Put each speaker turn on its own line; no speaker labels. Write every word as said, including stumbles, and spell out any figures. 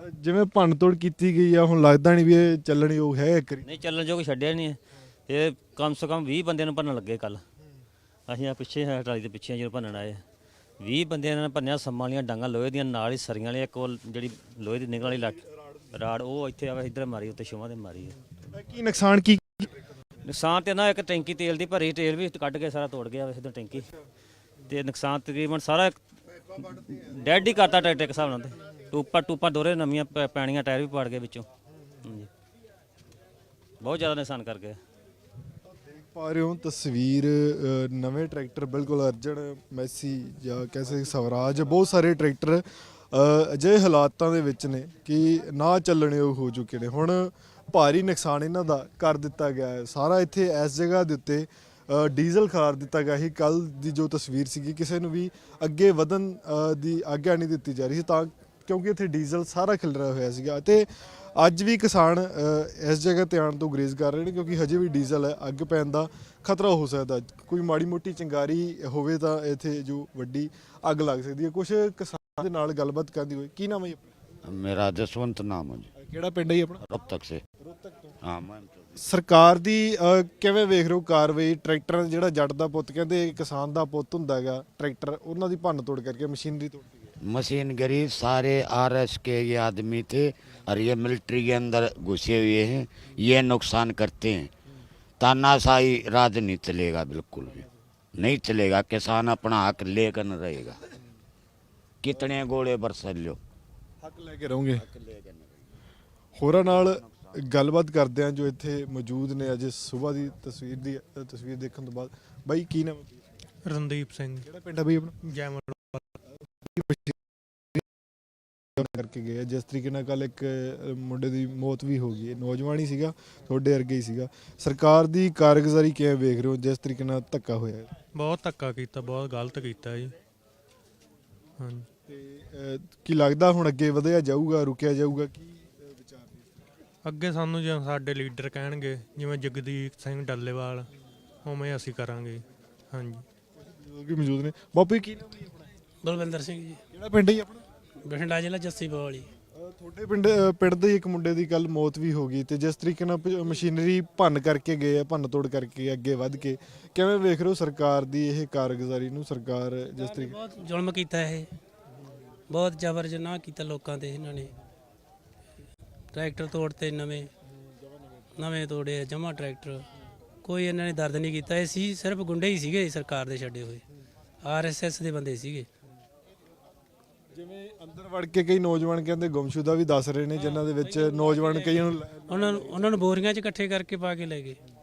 ਜਿਵੇਂ ਭੰਨ ਤੋੜ ਕੀਤੀ ਗਈ ਆ, ਹੁਣ ਲੱਗਦਾ ਨਹੀਂ ਵੀ ਇਹ ਚੱਲਣ ਯੋਗ ਹੈ ਇੱਕ ਵਾਰੀ।
ਨਹੀਂ ਚੱਲਣ ਜੋਗ ਛੱਡਿਆ ਨਹੀਂ ਇਹ, ਕਮ ਸੇ ਕਮ ਵੀਹ ਬੰਦਿਆਂ ਨੂੰ ਭੰਨਣ ਲੱਗੇ ਕੱਲ। ਅਸੀਂ ਆ ਪਿੱਛੇ ਹੈ ਟਰਾਲੀ ਦੇ ਪਿੱਛੇ ਜਦੋਂ ਭੰਨਣ ਆਏ ਵੀਹ ਬੰਦਿਆਂ ਨੇ ਭੰਨਿਆ। ਸੰਮਾਂ ਵਾਲੀਆਂ ਡਾਂਗਾਂ ਲੋਹੇ ਦੀਆਂ, ਨਾਲ ਹੀ ਸਰੀਆਂ ਵਾਲੀ ਇੱਕ ਉਹ ਜਿਹੜੀ ਲੋਹੇ ਦੀ ਨਿਗਲ ਵਾਲੀ ਲੱਟ ਰਾੜ ਉਹ ਇੱਥੇ ਆਵੇ ਇੱਧਰ ਮਾਰੀ, ਉੱਤੇ ਛੋਵਾਂ ਤੇ ਮਾਰੀ ਹੈ।
ਕੀ ਨੁਕਸਾਨ ਕੀ
ਨੁਕਸਾਨ ਤੇ ਨਾ ਇੱਕ ਟੈਂਕੀ ਤੇਲ ਦੀ ਭਰੀ, ਤੇਲ ਵੀ ਕੱਢ ਕੇ ਸਾਰਾ ਤੋੜ ਗਿਆ ਵੈਸੇ ਤਾਂ ਟੈਂਕੀ। ਤੇ ਨੁਕਸਾਨ ਤਕਰੀਬਨ ਸਾਰਾ ਡੈਡ ਹੀ ਕਰਤਾ ਟਰੈਕਟਰ ਇੱਕ ਹਿਸਾਬ ਨਾਲ। ਤੇ ਟੂਪਾਂ ਟੂਪਾਂ ਦੋਰੇ ਨਵੀਆਂ ਪੈ- ਪੈਣੀਆਂ, ਟਾਇਰ ਵੀ ਪਾੜ ਗਏ ਵਿੱਚੋਂ। ਹਾਂਜੀ ਬਹੁਤ ਜ਼ਿਆਦਾ ਨੁਕਸਾਨ ਕਰ ਗਏ।
ਪਾ ਰਹੇ ਹੋ ਤਸਵੀਰ ਅ, ਨਵੇਂ ਟਰੈਕਟਰ ਬਿਲਕੁਲ ਅਰਜਨ ਮੈਸੀ ਜਾਂ ਕਹਿ ਸਕਦੇ ਸਵਰਾਜ, ਬਹੁਤ ਸਾਰੇ ਟਰੈਕਟਰ ਅ, ਅਜਿਹੇ ਹਾਲਾਤਾਂ ਦੇ ਵਿੱਚ ਨੇ ਕਿ ਨਾ ਚੱਲਣਯੋਗ ਹੋ ਚੁੱਕੇ ਨੇ। ਹੁਣ ਭਾਰੀ ਨੁਕਸਾਨ ਇਹਨਾਂ ਦਾ ਕਰ ਦਿੱਤਾ ਗਿਆ ਹੈ। ਸਾਰਾ ਇੱਥੇ ਇਸ ਜਗ੍ਹਾ ਦੇ ਉੱਤੇ ਅ, ਡੀਜ਼ਲ ਖਾਰ ਦਿੱਤਾ ਗਿਆ ਸੀ। ਕੱਲ ਦੀ ਜੋ ਤਸਵੀਰ ਸੀਗੀ, ਕਿਸੇ ਨੂੰ ਵੀ ਅੱਗੇ ਵਧਣ ਅ, ਦੀ ਆਗਿਆ ਨਹੀਂ ਦਿੱਤੀ ਜਾ ਰਹੀ ਸੀ, ਤਾਂ ਕਿਉਂਕਿ ਇੱਥੇ ਡੀਜ਼ਲ ਸਾਰਾ ਖਿਲਰਿਆ ਹੋਇਆ ਸੀਗਾ। ਅਤੇ ਅੱਜ ਵੀ ਕਿਸਾਨ ਅ, ਇਸ ਜਗ੍ਹਾ ਤੇ ਆਉਣ ਤੋਂ ਗੁਰੇਜ਼ ਕਰ ਰਹੇ ਨੇ, ਕਿਉਂਕਿ ਹਜੇ ਵੀ ਡੀਜ਼ਲ ਹੈ, ਅੱਗ ਪੈਣ ਦਾ ਖਤਰਾ ਹੋ ਸਕਦਾ। ਕੋਈ ਮਾੜੀ ਮੋਟੀ ਚਿੰਗਾਰੀ ਹੋਵੇ ਤਾਂ ਇੱਥੇ ਜੋ ਵੱਡੀ ਅੱਗ ਲੱਗ ਸਕਦੀ ਹੈ। ਕੁਝ ਕਿਸਾਨ ਦੇ ਨਾਲ ਗੱਲਬਾਤ ਕਰਦੀ ਹੋਈ। ਕੀ ਨਾਮ ਹੈ ਜੀ ਆਪਣਾ?
मेरा जसवंत नाम है जी।
ਕਿਹੜਾ ਪਿੰਡ ਹੈ ਜੀ ਆਪਣਾ?
अब तक से हाँ मैं
ਸਰਕਾਰ ਦੀ ਅ, ਕਿਵੇਂ ਵੇਖ ਰਹੇ ਹੋ ਕਾਰਵਾਈ? ਟਰੈਕਟਰ ਜਿਹੜਾ ਜੱਟ ਦਾ ਪੁੱਤ ਕਹਿੰਦੇ ਕਿਸਾਨ ਦਾ ਪੁੱਤ ਹੁੰਦਾ ਹੈਗਾ, ਟਰੈਕਟਰ ਉਹਨਾਂ ਦੀ ਭੰਨ ਤੋੜ ਕਰਕੇ ਮਸ਼ੀਨਰੀ ਤੋੜ ਕੇ
मशीन गरीब सारे आर एस के ये आदमी थे और ये मिलिट्री के अंदर घुसे हुए हैं, ये नुकसान करते हैं। तानाशाही राज नहीं चलेगा, बिल्कुल भी नहीं चलेगा। किसान अपना हक लेकर न रहेगा, कितने गोले बरस लो
ਹੱਕ ਲੈ ਕੇ ਰਹੋਗੇ। ਹੋਰਾਂ ਨਾਲ ਗੱਲਬਾਤ ਕਰਦੇ ਆ ਜੋ ਇੱਥੇ ਮੌਜੂਦ ਨੇ ਅੱਜ ਸਵੇਰ ਦੀ ਤਸਵੀਰ ਦੀ ਅ, ਤਸਵੀਰ ਦੇਖਣ ਤੋਂ ਬਾਅਦ। ਬਾਈ ਕੀ ਨਾਮ ਹੈ?
ਰਣਦੀਪ ਸਿੰਘ
ਕਿਹੜਾ ਪਿੰਡ ਹੈ ਬਾਈ ਆਪਣਾ?
ਜੈਮਨ
ਕਰਕੇ ਗਏ ਆ। ਜਿਸ ਤਰੀਕੇ ਨਾਲ ਕੱਲ ਇੱਕ ਅ, ਮੁੰਡੇ ਦੀ ਮੌਤ ਵੀ ਹੋ ਗਈ ਹੈ, ਨੌਜਵਾਨ ਹੀ ਸੀਗਾ, ਤੁਹਾਡੇ ਵਰਗੇ ਹੀ ਸੀਗਾ। ਸਰਕਾਰ ਦੀ ਕਾਰਗੁਜ਼ਾਰੀ ਕਿਵੇਂ ਵੇਖ ਰਹੇ ਹੋ ਜਿਸ ਤਰੀਕੇ ਨਾਲ ਧੱਕਾ ਹੋਇਆ ਹੈ?
ਬਹੁਤ ਧੱਕਾ ਕੀਤਾ, ਬਹੁਤ ਗਲਤ ਕੀਤਾ ਜੀ। ਹਾਂਜੀ
ਤੇ ਅ, ਕੀ ਲੱਗਦਾ ਹੁਣ ਅੱਗੇ ਵਧਿਆ ਜਾਊਗਾ, ਰੁਕਿਆ ਜਾਊਗਾ? ਕੀ ਅ, ਵਿਚਾਰ ਨੇ?
ਅੱਗੇ ਸਾਨੂੰ ਜਿਵੇਂ ਸਾਡੇ ਲੀਡਰ ਕਹਿਣਗੇ, ਜਿਵੇਂ ਜਗਦੀਪ ਸਿੰਘ ਡੱਲੇਵਾਲ, ਉਵੇਂ ਅਸੀਂ ਕਰਾਂਗੇ। ਹਾਂਜੀ
ਲੋਕ ਵੀ ਮੌਜੂਦ ਨੇ। ਬਾਪੂ ਜੀ ਕੀ ਨਾਮ ਹੈ ਆਪਣਾ?
ਬਲਵਿੰਦਰ ਸਿੰਘ ਜੀ,
ਕਿਹੜਾ ਪਿੰਡ ਹੈ ਜੀ ਆਪਣਾ?
ਬਠਿੰਡਾ ਜ਼ਿਲ੍ਹਾ ਜੱਸੀ ਬਵਾਲੀ।
ਅ, ਤੁਹਾਡੇ ਪਿੰਡ ਅ, ਪਿੰਡ ਦੇ ਇੱਕ ਮੁੰਡੇ ਦੀ ਕੱਲ ਮੌਤ ਵੀ ਹੋ ਗਈ, ਤੇ ਜਿਸ ਤਰੀਕੇ ਨਾਲ ਪ- ਮਸ਼ੀਨਰੀ ਭੰਨ ਕਰਕੇ ਗਏ ਆ, ਭੰਨ ਤੋੜ ਕਰਕੇ ਅੱਗੇ ਵੱਧ ਕੇ, ਕਿਵੇਂ ਵੇਖ ਰਹੇ ਹੋ ਸਰਕਾਰ ਦੀ ਇਹ ਕਾਰਗੁਜ਼ਾਰੀ ਨੂੰ? ਸਰਕਾਰ ਜਿਸ ਤਰੀਕੇ
ਬਹੁਤ ਜ਼ੁਲਮ ਕੀਤਾ ਇਹ, ਬਹੁਤ ਜ਼ਬਰ ਜਨਾਹ ਕੀਤਾ ਲੋਕਾਂ ਤੇ ਇਹਨਾਂ ਨੇ। ਟਰੈਕਟਰ ਤੋੜਤੇ, ਨਵੇਂ ਨਵੇਂ ਤੋੜੇ ਜਮਾ ਟਰੈਕਟਰ। ਕੋਈ ਇਹਨਾਂ ਨੇ ਦਰਦ ਨਹੀਂ ਕੀਤਾ। ਇਹ ਸੀ ਸਿਰਫ ਗੁੰਡੇ ਹੀ ਸੀਗੇ ਸਰਕਾਰ ਦੇ ਛੱਡੇ ਹੋਏ, ਆਰ ਐਸ ਐਸ ਦੇ ਬੰਦੇ ਸੀਗੇ।
ਜਿਵੇਂ ਅੰਦਰ ਵੜ ਕੇ ਕਈ ਨੌਜਵਾਨ ਕਹਿੰਦੇ ਗੁੰਮਸ਼ੁਦਾ ਵੀ ਦੱਸ ਰਹੇ ਨੇ, ਜਿਨ੍ਹਾਂ ਦੇ ਵਿੱਚ ਨੌਜਵਾਨ ਕਈਆਂ ਨੂੰ
ਉਹਨਾਂ ਨੂੰ ਉਹਨਾਂ ਨੂੰ ਬੋਰੀਆਂ 'ਚ ਇਕੱਠੇ ਕਰਕੇ ਪਾ ਕੇ ਲੈ ਗਏ।